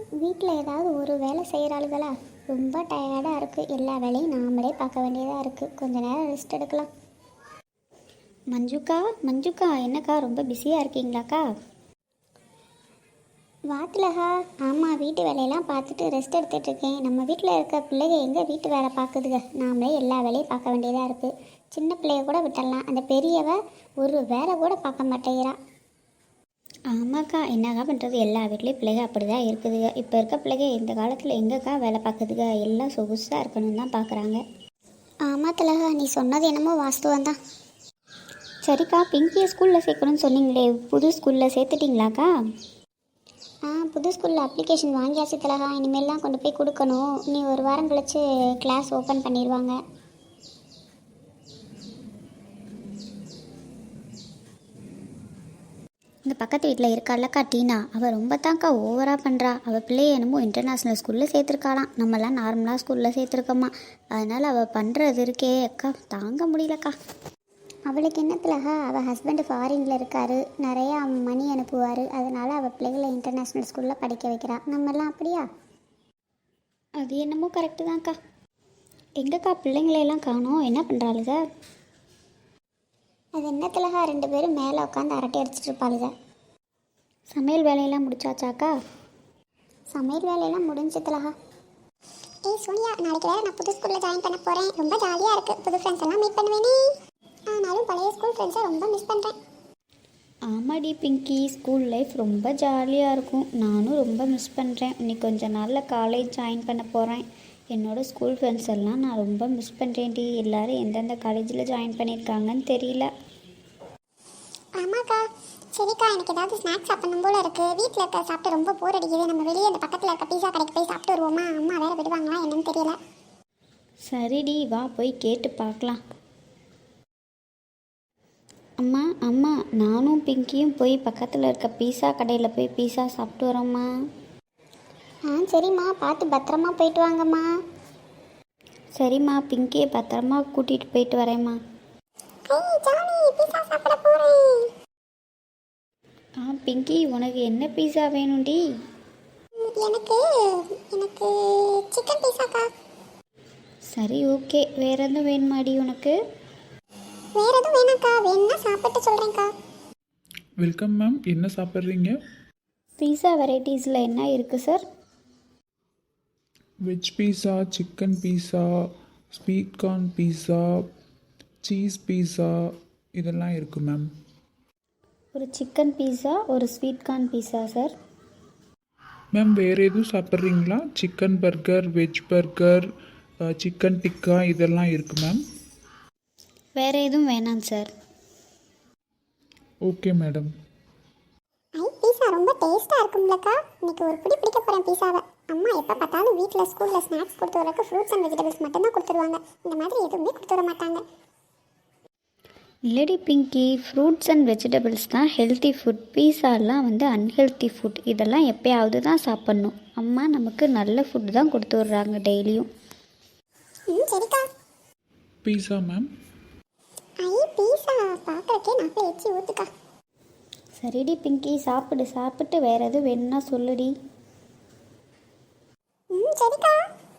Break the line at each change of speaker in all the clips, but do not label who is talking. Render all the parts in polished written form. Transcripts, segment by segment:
வீட்டில் ஏதாவது ஒரு வேலை செய்கிறாளுகளா? ரொம்ப டயர்டாக இருக்குது. எல்லா வேலையும் நாமளே பார்க்க வேண்டியதாக இருக்குது. கொஞ்ச நேரம் ரெஸ்ட் எடுக்கலாம். மஞ்சுக்கா என்னக்கா ரொம்ப பிஸியாக இருக்கீங்களாக்கா? வாத்திலகா, ஆமாம், வீட்டு வேலையெல்லாம் பார்த்துட்டு ரெஸ்ட் எடுத்துகிட்டு இருக்கேன். நம்ம வீட்டில் இருக்க பிள்ளைங்க எங்கே வீட்டு வேலை பார்க்குதுங்க? நாமளே எல்லா வேலையும் பார்க்க வேண்டியதாக இருக்குது. சின்ன பிள்ளைய கூட விட்டுடலாம், அந்த பெரியவ ஒரு வேலை கூட பார்க்க மாட்டேங்கிறா. ஆமாக்கா, என்னக்கா பண்ணுறது? எல்லா வீட்லேயும் பிள்ளைங்க அப்படி தான் இருக்குதுங்க. இப்போ இருக்க பிள்ளைங்க இந்த காலத்தில் எங்கேக்கா வேலை பார்க்குதுங்க? எல்லாம் சொகுசாக இருக்கணும்னு தான் பார்க்குறாங்க. ஆமாம் திலகா, நீ சொன்னது என்னமோ வாஸ்துவம் தான். சரிக்கா, பிங்கியை ஸ்கூலில் சேர்க்கணும்னு சொன்னீங்களே, புது ஸ்கூலில் சேர்த்துட்டிங்களாக்கா? புது ஸ்கூலில் அப்ளிகேஷன் வாங்கியாச்சு திலகா. இனிமேல்லாம் கொண்டு போய் கொடுக்கணும். நீ ஒரு வாரம் கழித்து கிளாஸ் ஓப்பன் பண்ணிடுவாங்க. இந்த பக்கத்து வீட்டில் இருக்காளக்கா டீனா, அவள் ரொம்ப தான்க்கா ஓவராக பண்ணுறா. அவள் பிள்ளைய என்னமோ இன்டர்நேஷ்னல் ஸ்கூலில் சேர்த்துருக்காளாம். நம்மலாம் நார்மலாக ஸ்கூலில் சேர்த்துருக்கோம்மா. அதனால் அவள் பண்ணுறது இருக்கே அக்கா, தாங்க முடியலக்கா. அவளுக்கு என்ன திலகா, அவள் ஹஸ்பண்டு ஃபாரினில் இருக்கார், நிறையா மணி அனுப்புவார். அதனால் அவள் பிள்ளைகளை இன்டர்நேஷ்னல் ஸ்கூலில் படிக்க வைக்கிறா. நம்மெல்லாம் அப்படியா? அது என்னமோ கரெக்டு தான்க்கா. எங்கக்கா பிள்ளைங்களையெல்லாம் காணோம், என்ன பண்ணுறாளுங்க? அது என்ன திலகா, 2 பேரும் மேலே உட்காந்து அரட்டை அடிச்சிட்டு இருப்பாளுங்க. சமையல் வேலையெல்லாம் முடிச்சாச்சாக்கா? சமையல் வேலையெல்லாம் முடிஞ்சு திலகா. ஏய் சோனியா, நாளைக்கு வேறு நான் புது ஸ்கூலில் ஜாயின் பண்ண போகிறேன். ரொம்ப ஜாலியாக இருக்குது. புது ஃப்ரெண்ட்ஸ் எல்லாம் மீட் பண்ணுவேனே. ஆனாலும் பழைய ஸ்கூல் ஃப்ரெண்ட்ஸை ரொம்ப மிஸ் பண்ணுறேன். ஆமாடி பிங்கி, ஸ்கூல் லைஃப் ரொம்ப ஜாலியாக இருக்கும். நானும் ரொம்ப மிஸ் பண்ணுறேன். இன்னைக்கு கொஞ்ச நாளில் காலேஜ் ஜாயின் பண்ண போகிறேன். என்னோடய ஸ்கூல் ஃப்ரெண்ட்ஸ் எல்லாம் நான் ரொம்ப மிஸ் பண்ணுறேன்டி. எல்லோரும் எந்தெந்த காலேஜில் ஜாயின் பண்ணியிருக்காங்கன்னு தெரியல. ஆமாக்கா. சரிக்கா, எனக்கு ஏதாவது ஸ்நாக்ஸ் சாப்பிடணும் போல இருக்குது. வீட்டில் இருக்க சாப்பிட்டு ரொம்ப போர் அடிக்குது. நம்ம வெளியே அந்த பக்கத்தில் இருக்க பீஸா கடைக்கு போய் சாப்பிட்டு வருவோமா? அம்மா வேறு விடுவாங்களா என்னன்னு தெரியல. சரிடி, வா போய் கேட்டு பார்க்கலாம். அம்மா நானும் பிங்கியும் போய் பக்கத்தில் இருக்க பீஸா கடையில் போய் பீஸா சாப்பிட்டு வரோம்மா. சரிம்மா, பார்த்து பத்திரமா போயிட்டு வாங்கம்மா. சரிம்மா, பிங்கியை பத்திரமா கூட்டிகிட்டு போயிட்டு வரேம்மா. பிங்கி, உனக்கு என்ன பீஸா வேணும்டி? எனக்கு சிக்கன் பீஸாக்கா. சரி, ஓகே. வேறு எதுவும் வேணுமாடி உனக்கு? வேறு எதுவும் வேணாக்கா, வேணும்னா சாப்பிட்டு சொல்கிறேன்க்கா.
வெல்கம் மேம், என்ன சாப்பிட்றீங்க?
பீஸா வெரைட்டிஸில் என்ன இருக்குது sir?
Veg pizza, chicken pizza, sweet corn pizza, cheese pizza இதெல்லாம் இருக்குது மேம்.
ஒரு சிக்கன் பீஸா, ஒரு sweet corn pizza sir.
Ma'am, வேறு எதுவும் சாப்பிட்றீங்களா? Chicken burger, veg burger, chicken tikka இதெல்லாம் இருக்குது மேம்.
வேறு எதுவும் வேணாம் சார்.
Okay madam.
பீஸா ரொம்ப டேஸ்ட்டாக இருக்கும்லக்கா. இன்னைக்கு ஒரு பிடி பிடிக்க போகிறேன் பீஸாவை. அம்மா எப்போ பார்த்தாலும் வீட்டில் ஸ்கூலில் ஸ்நாக்ஸ் கொடுத்து வரக்கு ஃப்ரூட்ஸ் அண்ட் வெஜிடபிள்ஸ் மட்டும்தான் கொடுத்துருவாங்க. இந்த மாதிரி எதுவுமே கொடுத்து வர மாட்டாங்க. இல்லடி பிங்கி, ஃப்ரூட்ஸ் அண்ட் வெஜிடபிள்ஸ் தான் ஹெல்த்தி ஃபுட். பீஸாலாம் அன்ஹெல்த்தி ஃபுட். இதெல்லாம் எப்போயாவது தான் சாப்பிட்ணும். அம்மா நமக்கு நல்ல ஃபுட் தான் கொடுத்து விட்றாங்க டெய்லியும். சரிக்கா.
பீஸா மேம்.
பீஸா பார்க்கறக்கே நாக்கில் எச்சி ஊற்றுக்கா. சரிடி பிங்கி, சாப்பிட்டு வேறு எதுவும் வேணும்னா சொல்லுடி. சரிக்கா.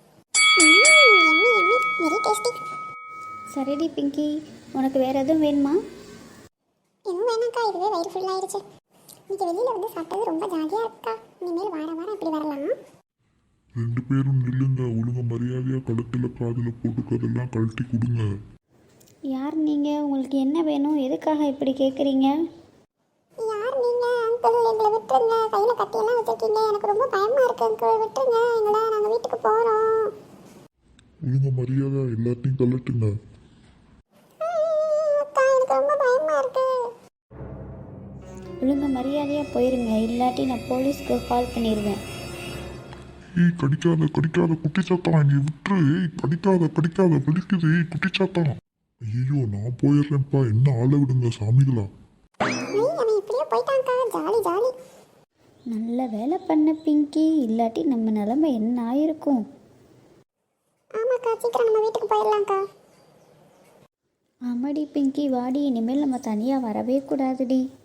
Very tasty. சரிடி பிங்கி, உனக்கு வேறு எதுவும் வேணுமா? எதுவும் வேணாக்கா, இதுவே வயிறு ஃபுல்லாகிடுச்சு. இன்னைக்கு வெளியில் சாப்பிட்டது ரொம்ப ஜாலியாக இருக்கா. இனிமேல் வாரம் இப்படி வரலாம்.
2 பேரும் நில்லுங்க. ஒழுங்க மரியாதையாக கழுத்தில் காதில் போட்டுக்கிறதெல்லாம் கழட்டி கொடுங்க.
யார் நீங்கள்? உங்களுக்கு என்ன வேணும்? எதுக்காக இப்படி கேட்குறீங்க? யார் நீங்கள்? அங்கிள், எங்களை விட்டுருங்க. கையில் கட்டியெல்லாம் வச்சுருக்கீங்க. எனக்கு ரொம்ப பயமாக இருக்குது அங்கிள், விட்டுருங்க எங்களை. நாங்கள் வீட்டுக்கு போகிறோம்.
ஒழுங்க மரியாதை எல்லாத்தையும் கழட்டுங்க.
அக்கா, எனக்கு ரொம்ப பயமாக இருக்கு. ஒழுங்க மரியாதையாக போயிருங்க, இல்லாட்டி நான் போலீஸ்க்கு கால் பண்ணிடுவேன்.
ஏய், கடிக்காத குட்டி சாத்தான், நீ விட்டுரு. கடிக்காத வலிக்குது. குட்டி சாத்தான். ஐயோ, நான் போயிடுறேன்ப்பா. என்ன ஆளை விடுங்க சாமிகளா.
நல்ல வேலை பண்ண பிங்கி, இல்லாட்டி நம்ம நிலைமை என்ன ஆயிருக்கும். ஆமாக்கா, சீக்கிரம் நம்ம வீட்டுக்கு போயிடலாம்க்கா. ஆமாடி பிங்கி, வாடி. இனிமேல் நம்ம தனியாக வரவே கூடாதுடி.